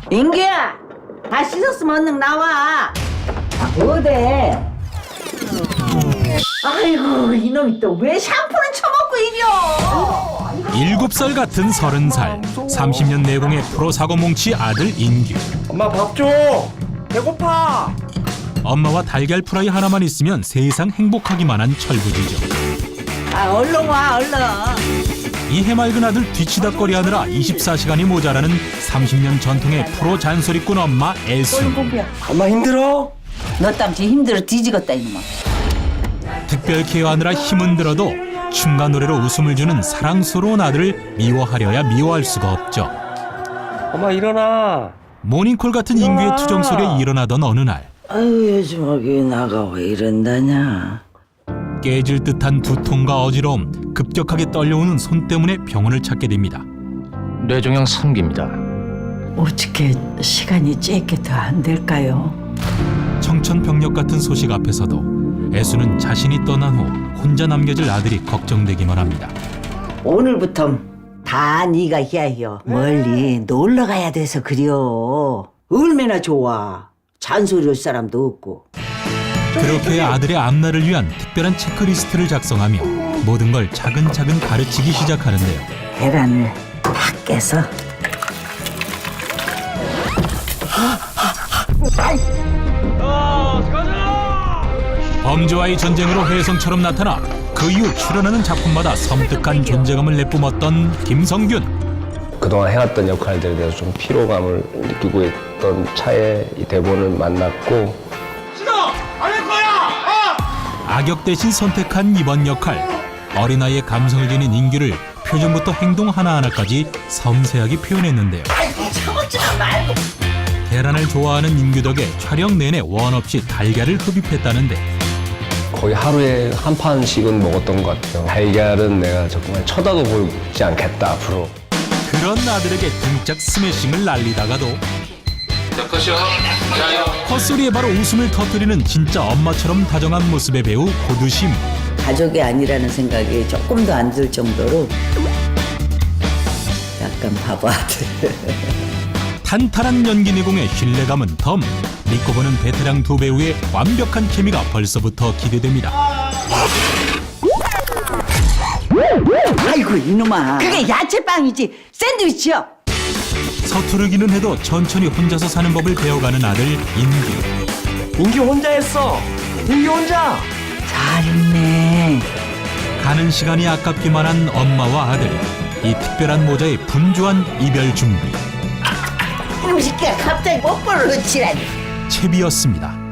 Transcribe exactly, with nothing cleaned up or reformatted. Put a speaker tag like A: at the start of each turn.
A: 인규야, 다 씻었으면 얼른 나와. 아, 어데? 아이고, 이놈이 또 왜 샴푸는 처먹고 이려?
B: 일곱 살 같은 서른 살, 삼십 년 내공의 프로 사고뭉치 아들 인규.
C: 엄마 밥 줘. 배고파.
B: 엄마와 달걀 프라이 하나만 있으면 세상 행복하기만 한 철부지죠.
A: 아, 얼른 와, 얼른.
B: 이 해맑은 아들 뒤치다거리하느라 이십사 시간이 모자라는 삼십 년 전통의 프로 잔소리꾼 엄마 애순.
C: 엄마 힘들어?
A: 너 땀지 힘들어 뒤지겠다, 이놈아.
B: 특별 케어하느라 힘은 들어도 춤과 노래로 웃음을 주는 사랑스러운 아들을 미워하려야 미워할 수가 없죠.
C: 엄마 일어나.
B: 모닝콜 같은 인규의 투정 소리에 일어나던 어느 날
A: 아유, 요즘 여기 나가 왜 이런다냐.
B: 깨질 듯한 두통과 어지러움, 급격하게 떨려오는 손 때문에 병원을 찾게 됩니다.
D: 뇌종양 삼 기입니다.
A: 어떻게 시간이 짧게 더 안 될까요?
B: 청천벽력 같은 소식 앞에서도 애수는 자신이 떠난 후 혼자 남겨질 아들이 걱정되기만 합니다.
A: 오늘부터 다 네가 해야해요. 멀리 놀러 가야 돼서 그려. 얼마나 좋아. 잔소리할 사람도 없고.
B: 그렇게 아들의 앞날을 위한 특별한 체크리스트를 작성하며 모든 걸 차근차근 가르치기 시작하는데요.
A: 계란을 다 깨서.
B: 범죄와의 전쟁으로 혜성처럼 나타나 그 이후 출연하는 작품마다 섬뜩한 존재감을 내뿜었던 김성균.
E: 그동안 해왔던 역할들에 대해서 좀 피로감을 느끼고 있던 차에 이 대본을 만났고
B: 악역 대신 선택한 이번 역할. 어린아이의 감성을 지닌 인규를 표정부터 행동 하나하나까지 섬세하게 표현했는데요. 계란을 좋아하는 인규 덕에 촬영 내내 원 없이 달걀을 흡입했다는데
E: 거의 하루에 한 판씩은 먹었던 것 같아요. 달걀은 내가 정말 쳐다도 보지 않겠다 앞으로.
B: 그런 아들에게 등짝 스매싱을 날리다가도 헛소리에 바로 웃음을 터뜨리는 진짜 엄마처럼 다정한 모습의 배우 고두심.
A: 가족이 아니라는 생각이 조금 더 안 들 정도로 약간 바보 아들.
B: 탄탄한 연기 내공의 신뢰감은 덤. 믿고 보는 베테랑 두 배우의 완벽한 케미가 벌써부터 기대됩니다.
A: 아이고 이놈아. 그게 야채빵이지 샌드위치요.
B: 서투르기는 해도 천천히 혼자서 사는 법을 배워가는 아들 인규.
C: 인기 혼자 했어. 인기 혼자.
A: 잘했네.
B: 가는 시간이 아깝기만 한 엄마와 아들. 이 특별한 모자의 분주한 이별 준비.
A: 이놈 새끼가 갑자기 뽀뽀를 놓치라니.
B: 채비였습니다.